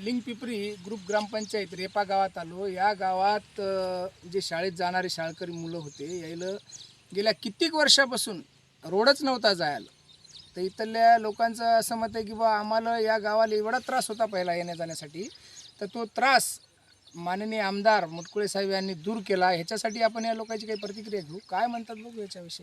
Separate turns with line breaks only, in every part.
लिंगपिपरी group ग्रामपंचायत रेपा गावात आलो। या गावात जे शाळेत जाणारे शाळकरी मुलं होते यायला गेल्या कित्येक वर्षापासून रोडच नव्हता जायला। तर इथल्या लोकांचं असं मत आहे की बा आम्हाला या गावाला एवढा त्रास होता पहिला येण्या जाण्यासाठी, तर तो त्रास माननीय आमदार मुटकुळे साहेब यांनी दूर केला। ह्याच्यासाठी आपण या लोकांची काही प्रतिक्रिया घेऊ, काय म्हणतात बघू याच्याविषयी।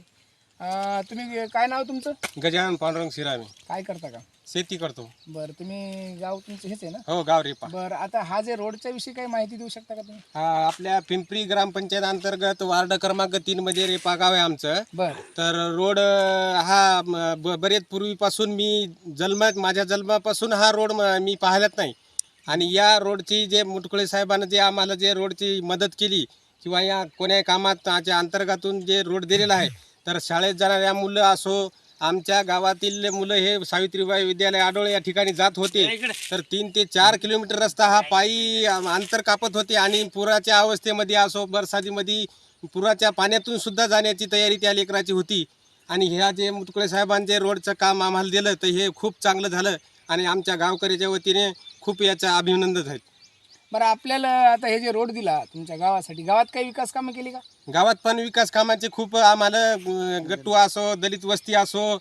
तुम्ही काय नाव तुमचं?
गजानन पांडुरंग शिरामी।
काय करता का?
शेती करतो।
बरं, तुम्ही गाव तुमचं हेच आहे ना?
हो, गाव रेपा।
बरं, आता हा जे रोडच्या विषयी काही माहिती देऊ शकता का तुम्ही?
हा आपल्या पिंपरी ग्रामपंचायत अंतर्गत वार्ड क्रमांक 3 मध्ये रेपा गाव आहे आमचं।
बरं,
तर रोड हा बरेच पूर्वीपासून माझ्या जन्मापासून हा रोड मी पाहिलाच नाही। आणि या रोडची जे मुटकुळे साहेबांनी जे आम्हाला जे रोडची मदत केली किंवा या कोण्या कामाच्या अंतर्गतून जे रोड दिलेला आहे, तर शाळेत जाणाऱ्या मुलं असो, आमच्या गावातील मुलं हे सावित्रीबाई विद्यालय आडोळे या ठिकाणी जात होते। तर 3 ते 4 किलोमीटर रस्ता हा पायी अंतर कापत होते आणि पुराच्या अवस्थेमध्ये असो, बरसातीमध्ये पुराच्या पाण्यातून सुद्धा जाण्याची तयारी त्या लेकराची होती। आणि ह्या जे मुटकुळे साहेबांचे रोडचं काम आम्हाला दिलं तर हे खूप चांगलं झालं आणि आमच्या गावकऱ्याच्या वतीने खूप याचं अभिनंदन आहे।
बरं, आपल्याला आता हे जे रोड दिला तुमच्या गावासाठी, गावात काही विकास कामं केली का?
गावात पण विकास कामाचे खूप आम्हाला गट्टू असो, दलित वस्ती असो,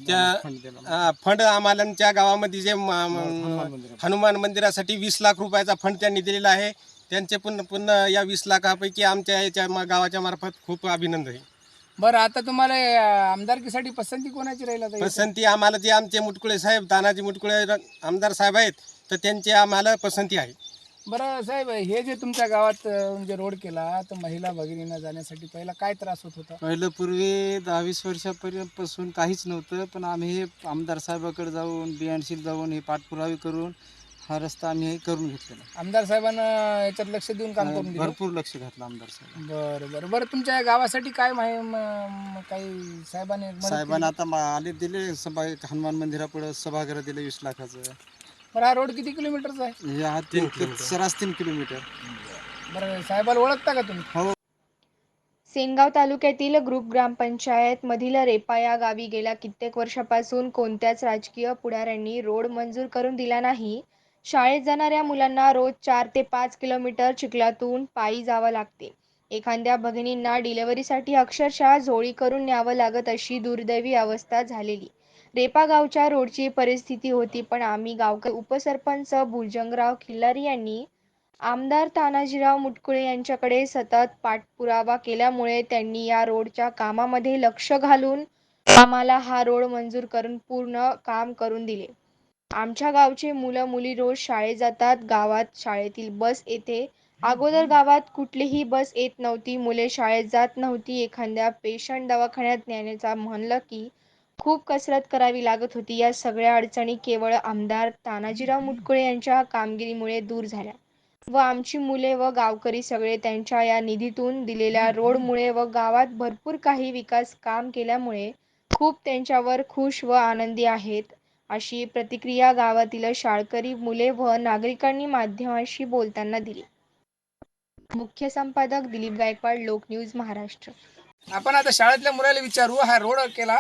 त्या फंड आम्हाला त्या गावामध्ये जे हनुमान मंदिरासाठी 20 लाख रुपयाचा फंड त्यांनी दिलेला आहे। त्यांचे पुन्हा या 20 लाखापैकी आमच्या याच्या गावाच्या मार्फत खूप अभिनंदन आहे।
बरं, आता तुम्हाला आमदारकीसाठी पसंती कोणाची राहील? आता
पसंती आम्हाला जे आमचे मुटकुळे साहेब, तानाजी मुटकुळे आमदार साहेब आहेत, तर त्यांची आम्हाला पसंती आहे।
बरं साहेब, हे जे तुमच्या गावात म्हणजे रोड केला, तर महिला भगिनींना जाण्यासाठी पहिला काय त्रास होत होता?
पहिलं पूर्वी 10-20 वर्षापर्यंतपासून काहीच नव्हतं, पण आम्ही हे आमदार साहेबाकडे जाऊन बियाणशील जाऊन हे पाठपुरावे करून हा रस्ता आम्ही हे करून घेतलेला।
आमदार साहेबांना याच्यात लक्ष देऊन काम करून दिलं?
भरपूर लक्ष घातलं आमदार साहेब।
बरं बरं बरं, तुमच्या गावासाठी काय काही साहेबांनी मदत केली?
साहेबांना आता आले दिले हनुमान मंदिरापुढे सभागृह दिले 20 लाखाचं।
बरं, हा रोड किती किलोमीटरचा आहे?
हे हा 3 किलोमीटर।
बरं, साहेबाला ओळखता का तुम्ही?
हो।
सेनगाव तालुक्यातील ग्रुप ग्रामपंचायत मधील रेपा या गावी गेल्या कित्येक वर्षापासून कोणत्याच राजकीय पुढाऱ्यांनी रोड मंजूर करून दिला नाही। शाळेत जाणाऱ्या मुलांना रोज 4 ते 5 किलोमीटर चिखलातून पायी जावं लागते। एखाद्या भगिनींना डिलिव्हरीसाठी अक्षरशः झोळी करून न्यावं लागत अशी दुर्दैवी अवस्था झालेली रेपा गावच्या रोडची परिस्थिती होती। पण आम्ही गावकरी उपसरपंच भुजंगराव खिल्लारी यांनी आमदार तानाजीराव मुटकुळे यांच्याकडे सतत पाठपुरावा केल्यामुळे त्यांनी या रोडच्या कामामध्ये लक्ष घालून आम्हाला हा रोड मंजूर करून पूर्ण काम करून दिले। आमच्या गावचे मुलं मुली रोज शाळेत जातात। गावात शाळेतील बस येते। अगोदर गावात कुठलीही बस येत नव्हती, मुले शाळेत जात नव्हती। एखाद्या पेशंट दवाखान्यात नेण्याचा म्हणलं की खूप कसरत करावी लागत होती। या सगळ्या अडचणी केवळ आमदार तानाजीराव मुटकुळे यांच्या कामगिरीमुळे दूर झाल्या व आमची मुले व गावकरी सगळे त्यांच्या या निधीतून दिलेल्या रोडमुळे व गावात भरपूर काही विकास काम केल्यामुळे खूप त्यांच्यावर खुश व आनंदी आहेत, अशी प्रतिक्रिया गावातील शाळकरी मुले व नागरिकांनी माध्यमांशी बोलताना दिली। मुख्य संपादक दिलीप गायकवाड, लोक न्यूज महाराष्ट्र।
आपण आता शाळेतल्या मुलाला विचारू, हा रोड केला।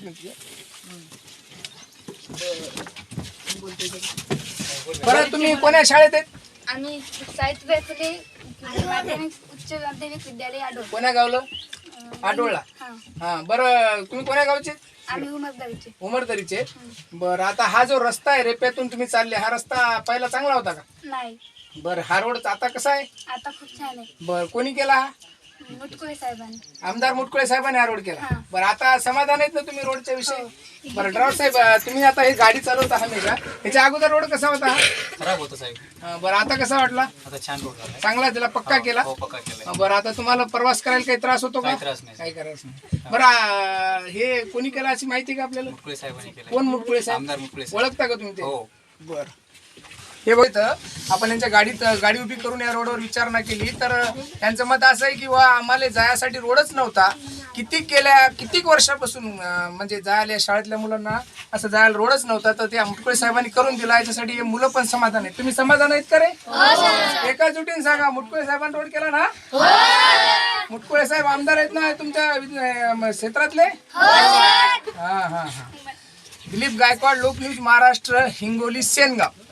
बरं, तुम्ही कोण्या शाळेत आहेत?
आम्ही सावित्रीबाई फुले माध्यमिक उच्च माध्यमिक विद्यालय आडोळ।
कोण्या गावलं? आडोळला। हा, बरं, तुम्ही कोण्या गावचे?
आम्ही उमरगावचे।
उमरदरीचे। बरं, आता हा जो रस्ता आहे रेप्यातून तुम्ही चालले, हा रस्ता पहिला चांगला होता का?
नाही,
बरं, हा रोड आता कसा आहे?
आता खूप छान आहे।
बरं, कोणी केला हा?
मुटकुळे साहेबांनी।
आमदार मुटकुळे साहेबांनी हा रोड केला।
हा.
बरं, आता समाधान आहेत ना तुम्ही रोडच्या विषयी? बरं ड्रायव्हर साहेब, तुम्ही आता ही गाडी चालवता हमेशा, याच्या अगोदर रोड कसा होता?
खराब होतं साहेब।
बरं, आता कसा वाटला?
आता छान रोड झाला।
चांगला, त्याला पक्का केला?
हो, पक्का केलाय।
बरं, आता तुम्हाला प्रवास करायला काही त्रास होतो का?
काही त्रास नाही।
काही करायचं नाही। बरं, हे कोणी केला अशी माहिती का आपल्याला?
मुटकुळे साहेबांनी केलाय।
कोण मुटकुळे साहेब?
आमदार मुटकुळे साहेब।
ओळखता का तुम्ही ते?
हो।
बरं, हे बघितलं आपण यांच्या गाडी उभी करून या रोडवर विचारणा केली, तर त्यांचं मत असं आहे की आम्हाला जायसाठी रोडच नव्हता। कित्येक वर्षापासून म्हणजे जायला शाळेतल्या मुलांना असं जायला रोडच नव्हता, तर ते मुटकुळे साहेबांनी करून दिला। याच्यासाठी हे मुलं पण समाधान आहेत। तुम्ही समाधान आहेत का रे? एका जुटीने सांगा, मुटकुळे साहेबांनी रोड केला ना? मुटकुळे साहेब आमदार आहेत ना तुमच्या क्षेत्रातले? हा हा हा। दिलीप गायकवाड, लोक न्यूज महाराष्ट्र, हिंगोली, सेनगाव।